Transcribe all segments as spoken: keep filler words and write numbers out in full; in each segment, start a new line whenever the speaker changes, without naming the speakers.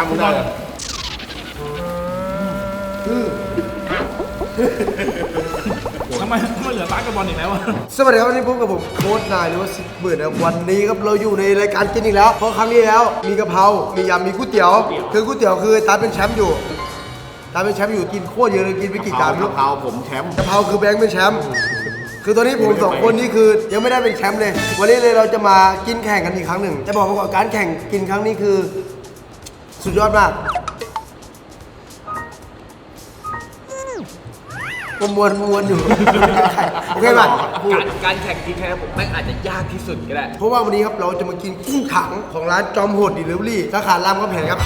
น้ำมึงได้
ทำไมทำไมเหลือร้านกับบอลอีกแล้วอะ
สวัสดีครับวันนี้พบกับผมโค้ชนายหรือว่าสิบหมื่นนะวันนี้ครับเราอยู่ในรายการกินอีกแล้วเพราะครั้งนี้แล้วมีกะเพรา มียำมีก๋วยเตี๋ยวคือก๋วยเตี๋ยวคือตาเป็นแชมป์อยู่ตาเป็นแชมป์อยู่กินโคตรเยอะเลยกินไปกี่จานไม่รู้
กะเพราผมแชมป์
กะเพราคือแบงค์เป็นแชมป์คือตอนนี้ผมสองคนนี้คือยังไม่ได้เป็นแชมป์เลยวันนี้เลยเราจะมากินแข่งกันอีกครั้งหนึ่งจะบอกว่าการแข่งกินครั้งนี้คือสุดยอดมากมวนมวนอยู่โอเคป่ะ
การการแข่งกินแค่ผมแม่งอาจจะยากที่สุดก็ได้
เพราะว่าวันนี้ครับเราจะมากินกุ้งถังของร้านจอมโหดดิลิเวอรี่สาขารามคำแหงครับ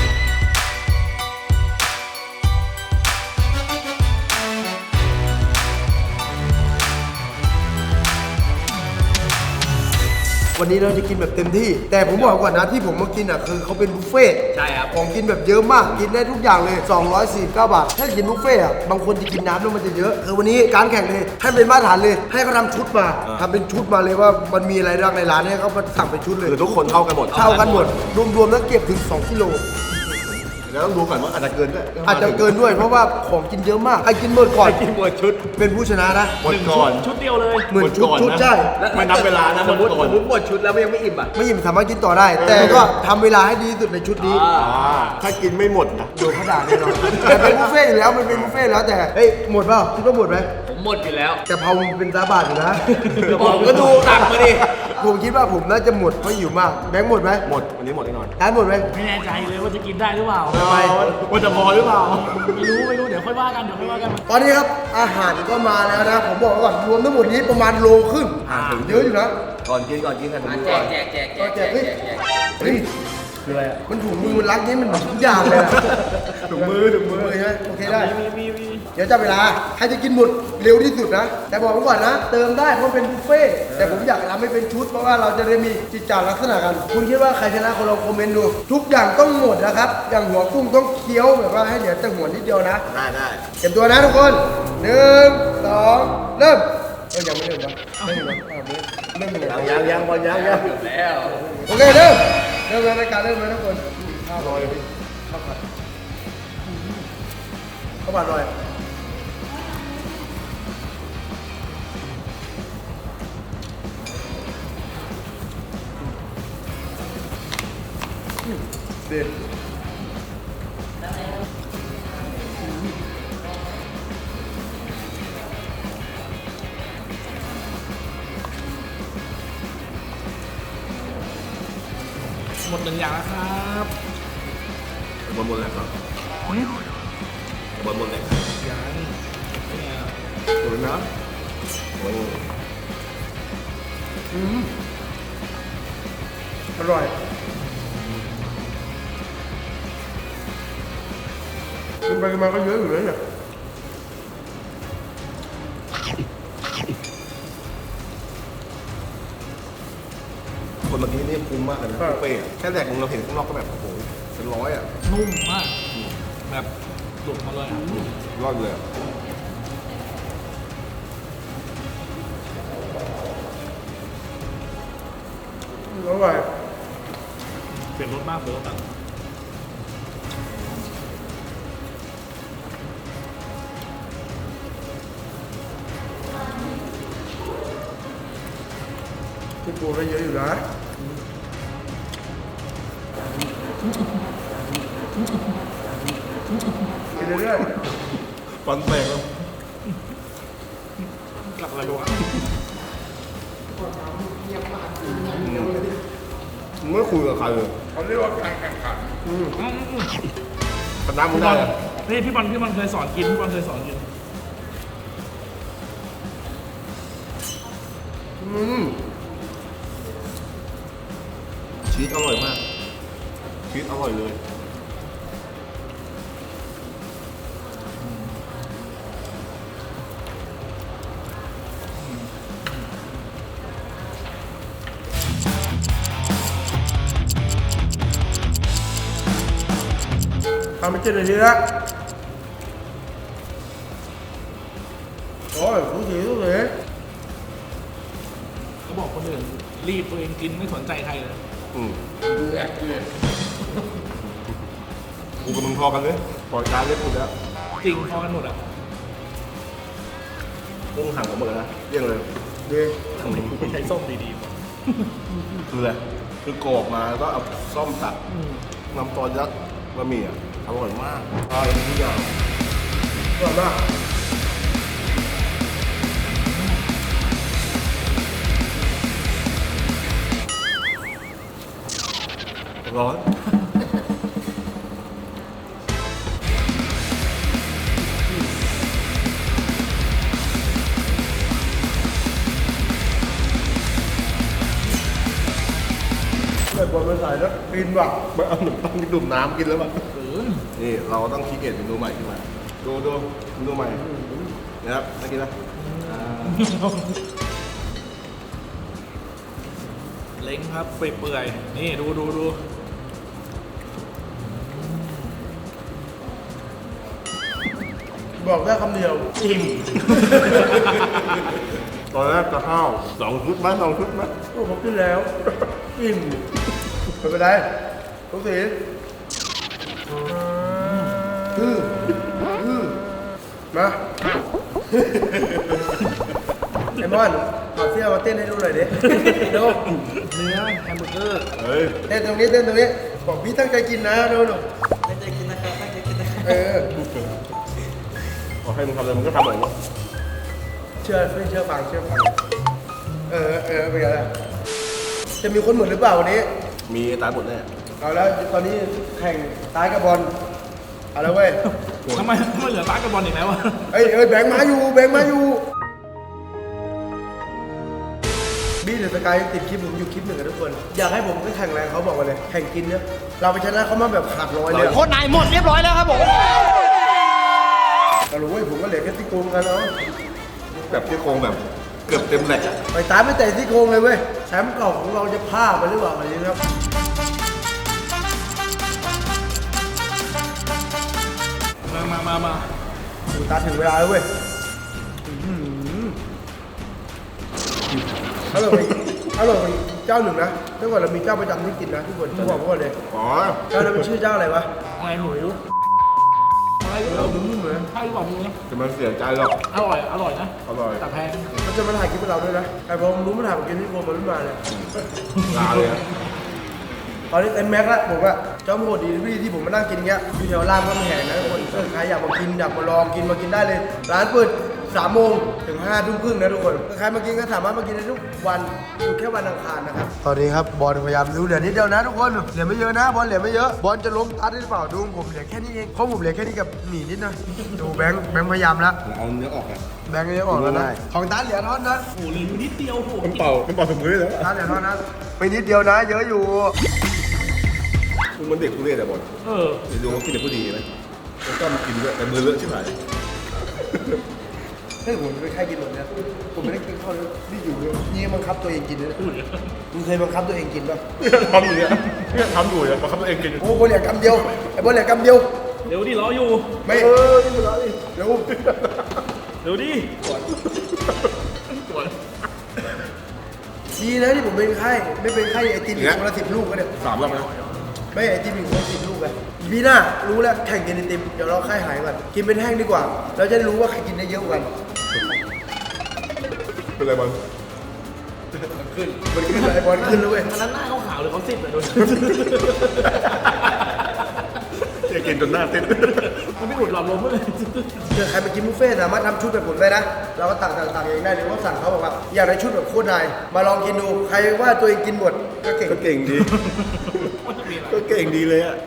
วันนี้เราจะกินแบบเต็มที่แต่ผมบอกก่อนนะที่ผมมากินอ่ะคือเขาเป็นบุฟเฟ่ต์
ใช่ครับ
ของกินแบบเยอะมากกินได้ทุกอย่างเลยสองร้อยสี่สิบเก้าบาทถ้ากินบุฟเฟ่ต์อ่ะบางคนจะกินน้ำแล้วมันจะเยอะคือวันนี้การแข่งเลยให้เป็นมาตรฐานเลยให้เขาทำชุดมาทำเป็นชุดมาเลยว่ามันมีอะไรบ้างในร้านให้เขามาสั่งเป็นชุดเลย
คือทุกคนเท่ากันหมด
เท่ากันหมดรวมๆแล้วเก็บถึงสองกิโล
แล้วต้องดูก่อนว่าอาจจะเกินก็
อาจจะเกินด้วยเพราะว่าของกินเยอะมากใครกินหมดก่อน
กินหมดชุด
เป็นผู้ชนะนะ
หมดก่อน
ชุดเดียวเลย
เหมือนชุด
หมดก่อน
ชุด
นะ
ใช่
ไม่นับเวลานะ
สมมติ
หมดก่อน
สมมติหมดชุดแล้วมันยังไม่อิ่มอ่ะ
ไม่อิ่มสามารถกินต่อได้ แต่ก็ทำเวลาให้ดีที่สุดในชุดนี้
อ่า
อ่าถ้ากินไม่หมดนะ
โดนเขาด่าแน่นอนแต่เป็นบุฟเฟ่ต์อยู่แล้วมันเป็นบุฟเฟ่ต์แล้วแต่เฮ้ยหมดเปล่าคิดว่าหมดไหม
ผมหมดอยู่แล้ว
แต่พอมันเป็นซาบาทอยู่นะ
ผมก็ดูตักมาดิ
ผมคิดว่าผมน่าจะหมดเพราะหิวมากแบงค์หมดไหม
หมดวันนี้หมดแน่นอน
ร้านหมดไหม
ไม่แน่ใจเลยว่าจะกินได้หรือเปล่า
ทำไม
ว่าจะพอหรือเปล่า
ไม่รู้ไม่รู้เดี๋ยวค่อยว่ากันเดี๋ยวค่อยว่ากัน
ตอนนี้ครับอาหารก็มาแล้วนะผมบอกไว้ก่อนรวมทั้งหมดนี้ประมาณโลครึ่งเยอะอยู่นะ
ก่อนกินก่อนกินกัน
แจกแจกแจกแจกแจกแจกแจก
เฮ้ยคืออะไรอ่ะมันถุงมือมันรักนี้มันทุกอย่างเลยอะ
ถุงมือถุงมือ
ใช่ไหมโอเคได้
มีมีมี
เดี๋ยวจับเวลาใครจะกินหมดเร็วที่สุดนะ แต่บอกไว้ก่อนนะ เติมได้เพราะเป็นบุฟเฟ่ต์แต่ผมอยากทำให้เป็นชุดเพราะว่าเราจะได้มีจิตจาลักษณะกัน คุณคิดว่าใครชนะคนลองคอมเมนต์ดู ทุกอย่างต้องหมดนะครับ อย่างหัวกุ้งต้องเคี้ยวแบบว่าให้เหลือแต่หัวนิดเดียวนะ
ได้ได้
เก็บตัวนะทุกคนหนึ่งสองเริ่มเอ้ยยังไม่เริ่มนะเริ่มเลยเริ่มเลย
ยังยังยังบอลยังยัง
แล้ว
โอเคเริ่มเริ่มเลยรายการเริ่มเลยทุกคนข้าวลอยพี่ข้าวผัดข้าวผัดลอยเด็ด
หมดหนึ่งอย่างแล้วครับ
บอลหมดแล้วครับบอลหมดแล้ว
อย่างเนี่ย
สวยนะโอ้ย
อร่อยกินไปกินมาก็เยอะอยู่เลยเนี่ย
คนเมื่อกี้นี่คุ้มมากเลยนะบุฟเฟ่ต์อะแค่แดกมึงเราเห็นข้างนอกก็แบบโอ้โหเป็นร้อยอ่ะ
นุ่มมากแบบหลุดมาเลยอ่ะ
รอดเลยอะ
อร่อย
เปลี่ยนรสมากเลยรสแบบ
ที่ปูได้เยอะอยู่นะกินเรื่อย
ฟันแตกแล้ว
กลับอะไรวะ
มึงไม่คุยกับใครเลย
ๆเขาเรียกว่าการแข่งขัน
คณะมึง
พี่บ
ได้
อล
อะ
นี่พี่บอลพี่บอลเคยสอนกินพี่บอลเคยสอนกิน
อืม
ชีสอร่อยมาก ชีสอร่อยเลย
ทำไปเจ็ดนาทีแล้วโอ้ยผู้สีผู้สี
เขาบอกคนอื่นรีบตัวเองกินไม่สนใจใครเลย
อืม
ดูแอคเลย
กูกับมึงพอกันเลยปล่อยการเล่นกูแล้ว
จริงพอกันหมดอ่ะ
เรื่องห่างกันหมดเลยนะเรื่องเลย
ดี
ทำไมกูใช้ส้มดีๆวะ
คืออะไรคือกรอกมาแล้วก็เอาซ่อมตัดน้ำซอสยัดบะหมี่อ่ะอร่อยมากอร่อยทุกอย่าง
อร่อยมาก
ร้อน
เปิดบอลมาใส่แล้วฟินว่ะ
ไม่เอาหนุ่มต้องดื่มน้ำกินแล้วมั้ง
เออ
นี่เราต้องคิดเกตเมนูใหม่ขึ้นมาดูดูเมนูใหม่นะครับน่ากินนะ
เล้งครับเปื่อยๆนี่ดูดูดู
บอกได้คำเดียวอิ่ม
ตอนแรกจะข้าวสองชุดไหมสองชุดไหม
โอ้ผมกินแล้วอิ่มไม่เป็นไรทุกสีอืออือมาไอ้มอนเอาเสื้อมาเต้นให้ดูหน่อยดิดู
เนื้อแฮมเบอร์เกอร์
เฮ้ย
เต้นตรงนี้เต้นตรงนี้บอกพี่ตั้งใจกินนะดูดู
ตั้งใจกินนะครับตั้งใจกินนะครับ
เออ
ขอให้มึงทำอะไรมึงก็ทำแบบนี้
เชื่อไม่เชื่อฟังเชื่อฟังเออเออเป็นไงล่ะจะมีคนเหมือนหรือเปล่าวันนี้
มีตายหมดแน่
เอาแล้วตอนนี้แข่งตายกับบอลเอาแล้วเว้ย
ทำไมทำไมเหลือร้านกับบอลอีกแล้ววะ
เอ้ยเอ้ยแบงค์มาอยู่แบงค์มาอยู่บี้เดอะสกายติดคลิปผมอยู่คลิปหนึ่งกับทุกคน อยากให้ผมไปแข่งแรงเขาบอกมาเลยแข่งกินเนี่ยเราไปชนะเขามาแบบขาดร้อยเลย
โคตรนายหมดเรียบร้อยแล้วครับผม
แต่รู้เว้ยผมก็เหลือแค่ซี่โครงกันเนาะ
แบบที่โครงแบบเกือบเต็มแหลกอะ
ไปตามไม่แต่ซี่โครงเลยเว้ยแชมป์เก่าของเราจะพลาดไปหรือเปล่าอะไรนี้ครับ
มามามามา
ดูตาถึงเวลาแล้วเว้ยอื้อหืออร่อยอร่อยเจ้าหนึ่งนะเมื่อก่อนเรามีเจ้าประจำที่กินนะทุกคนต้องบอกก่อนเลย
อ๋อ
เจ้านั้นเป็นชื่อเจ้าอะไรวะ
อะไรหนูไม่รู้อะไร
เราดูเหมือน
ใช่บอกมึงนะ
จะมันเสียใจหรอก
อร่อยอร่อยนะ
อร่อย
แต่แพง
มันจะมาถ่ายคลิปให้เราด้วยนะแต่พอผมรู้มันถ่ายผมกินที่โคมันไม่มาเลย
ลาเลยอะ
ตอนนี้เต็มแม็กซ์ละผมอะเจ้าโหดดีที่ที่ผมมานั่งกินเงี้ยอยู่แถวรามคำแหงนะทุกคนถ้าใครอยากมากินอยากมาลองกินมากินได้เลย ร้านเปิดสามโมงถึงห้าทุ่มครึ่งนะทุกคนถ้าใครมากินก็สามารถมากินได้ทุกวันอยู่แค่วันอังคารนะครับตอนนี้ครับบอลพยายามดูเหลือนิดเดียวนะทุกคนเหลือไม่เยอะนะบอลเหลือไม่เยอะบอลจะล้มตัดได้หรือเปล่าดูผมเหลือแค่นี้เองเพราะผมเหลือแค่นี้กับหมี่นิดนะดูแบงค์แบงค์พยายามละ
เอาเนื้อออกอะ
แบงค์ก็ยังออกแล้วนะของตัดเหลือเท่านั้นนะ
โอ้โหเหลืออยู่นิดเดียวโอ้โห
มันเป่ามันเป่าสมือเลย
ตัดเหลือเท่านั้นไปนิดเดียวนะ เยอะอยู่
มึงมันเด็กกูเรียกแต่บอล
เออ
เดี๋ยวดูว่ากินแต่ผู้ดีไหมแล้วก็มากินด้วยแต่มือเลอะใช่ไหม
เฮ้ยผมไม่ใครกินหมดเนี่ยผมไม่ได้กินข้าวเลยนี่อยู่เลยนี่บังคับตัวเองกินเลยมึงเคยบังคับตัวเองกินป่ะ
ทำอยู่เนี่ยเนี่ยทำอยู่เนี่ยมาคับตัวเองกิน
โอ้โหเหลือกำเดียวไอ้บอลเหลือกำเดียว
เดี๋ยวดิรออยู่
ไม่
เออนี่มันอะไร
เร็ว
เดี๋ยวดิ
ดีนะที่ผมเป็นไข้ไม่เป็นไข้ไอติมอีกคนละสิบลูกก็เนี่ย
สามรอบแล้ว
ไม่ไอติมอีกคนละสิบลูกไงพี่หน้ารู้แล้วแข่งกินไอติมเดี๋ยวเราไข้หายก่อนกินเป็นแห้งดีกว่า เราจะได้รู้ว่าใครกินได้เยอะกว่ากัน
เป็นไรบอล
มันขึ้นไอ้บอลขึ้นแล้วเว้ย
อันนั้นหน้าเขาขาวหรือเขาซิบเลยโดน
จะกินจนหน้าเต้น
มันไม่อุดหลอดลมเลย
เจอใครมากินบุฟเฟ่ต์สามารถทำชุดแบบผมได้นะ เราก็ตักตักตักเองได้หรือว่าสั่งเขาบอกว่าอยากได้ชุดแบบโคตรนายมาลองกินดูใครว่าตัวเองกินหมดก็เก่ง
ก็เก่งดี ก็เก่งดีเลยอะ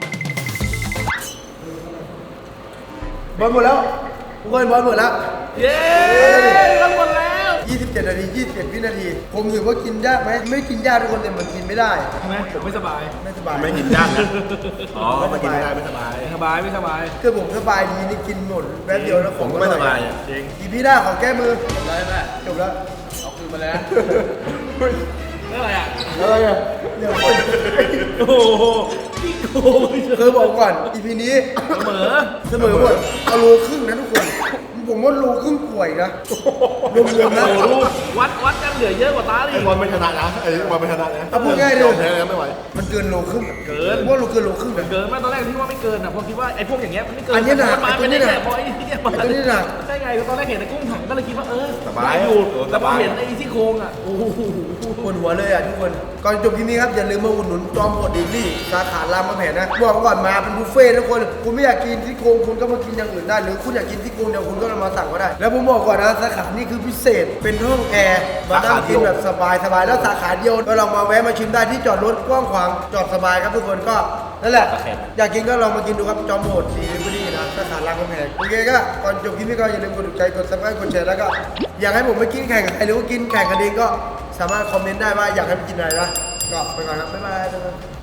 บอลหมดแล้วทุกคนบอลหมดแล้ว
เย้ทั้งหมดแล้ว
ยี่สิบเจ็ดนาทียี่สิบเจ็ดวินาที ผมถือว่ากินยากไหมไม่กินยากทุกคนแต่มันกินไม่ได้
ใช่ไหมผมไม่สบาย
ไม่สบาย
ไม่กินย่างนะอ๋อไม่กินไม่ได้ไม่สบาย
ไม่สบายไม่สบาย
คือผมสบายดีนี่กินหมดแป๊บเดียวแล้ว
ผมก็ไม่สบายอะ
จริง
อีพีหน้าขอแก้มือ
จบแล้วใช่ไหม
จบแล้ว
เอาคืนมาแล้ว
เรื่องอะไรอ่ะ
อะไรอ่ะเดี๋ยว
โอ้โหพี่โกง
คือบอกก่อนอีพีนี้
เสมอ
เสมอหมดเอาโลครึ่งนะทุกคน ผมว่าโลครึ่งป่วยนะรวมๆนะ
โอ้รูปวัดวัดกันเหลือเยอะกว่าตาดิ
ไอ้บอลไม่ชนะนะไอ้บอลไม่ชนะนะ
เอาพูดง่ายเลย
อมแพ้แล้วไม่ไหว
มันเกินโลครึ่ง
เกิน
ว่าโลเกินโลครึ่งนะ
เกินไหมตอนแรกที่ว่าไม่เกินอ่ะผมคิดว่าไอ้พวกอย่างเงี้ยมันไม่เกิน
อันนี้หนัก
มัมา
ไอ้ตัวนี้
เป็น
หนั
แค่
ก
พอไอ้ที่มา
ไอ้ตัวนี้หนัก
ใช่ไงตอนแรกเห็นไอ้กุ้งถังก็เลยคิดว่าเออ
สบาย
ได้อยู่
เออ
แต่พอบ
สาย
เห็นไอ้ที่โครงอ่ะโอ้โห
ปวดหัวเลยอ่ะทุกคน ก่อนจบคลิปนี้ครับอย่าลืมมาอุดหนุนจอมโหดดิลลี่สาขารามคำแหงนะบอกก่อนมาเป็นบุฟเฟ่ต์ทุกคน คุณไม่อยากกินที่โครงคุณก็มากินอย่างอื่นได้ หรือคุณอยากกินที่โครงเดียวคุณก็มาสั่งก็ได้ แล้วผมบอกก่อนนะสาขานี่คือพิเศษเป็นห้องแอร์มานั่งกินแบบสบายสบายๆแล้วสาขาเดียวก็ลองมาแวะมาชิมได้ที่จอดรถกว้างขวางจอดสบายครับทุกคนก็นั่นแหละ อยากกินก็ลองมากินดูครับจอมโหดดีลิเวอรี่นะสาขารามคำแหงโอเคก็ก่อนจบคลิปนี้ก็อย่าลืมกดถูกใจกดซับสไครต์กดแชร์แล้วก็อยากให้ผมไปกินแข่งกับใครหรือว่ากินแข่งกันเองก็สามารถคอมเมนต์ได้ว่าอยากให้ไปกินอะไรนะก็ไปก่อนครับบ๊ายบาย